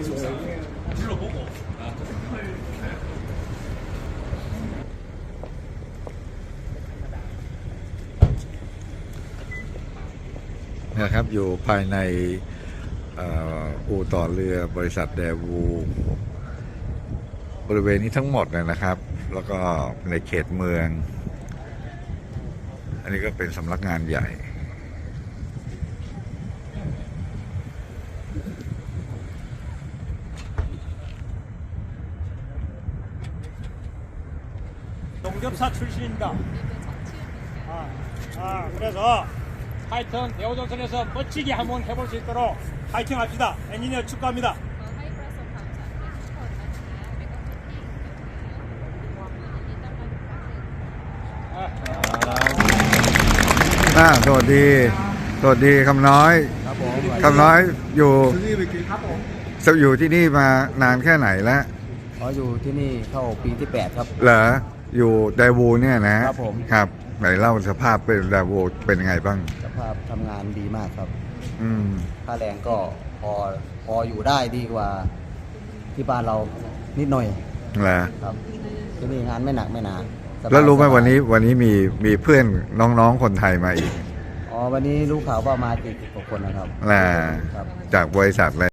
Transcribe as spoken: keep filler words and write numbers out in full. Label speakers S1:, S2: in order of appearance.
S1: นะครับอยู่ภายในอู่ต่อเรือบริษัทแดวูบริเวณนี้ทั้งหมดเลยนะครับแล้วก็ในเขตเมืองอันนี้ก็เป็นสำนักงานใหญ่
S2: 농접사출신입니다아아그래서하여튼대우조선에서멋지게한번해볼수있도록파이팅합시다엔지니어축하합니다
S1: อ่าสวัสดีสวัสดีคำน้อยคำน้อยอยู่อยู่ที่นี่มานานแค่ไหนแล้ว
S3: อ๋ออยู่ที่นี่เข้าปีที่แปดครับ
S1: เหรออยู่ไดวูเนี่ยนะครับ
S3: ผม
S1: ครับไหนเล่าสภาพเป็นไดวูเป็นยังไงบ้าง
S3: สภาพทำงานดีมากครับ
S1: อืม
S3: ค่าแรงก็พอพออยู่ได้ดีกว่าที่บ้านเรานิดหน่อย
S1: เหรอ
S3: ครับที่นี่งานไม่หนักไม่หนา
S1: แล้วรู้ไหมวันนี้วันนี้มีมีเพื่อนน้องๆคนไทยมาอีก
S3: อ๋อวันนี้รู้ข่าวว่ามากี่สิบกว่าคนนะครับ
S1: น่ะจากบริษัทอะไร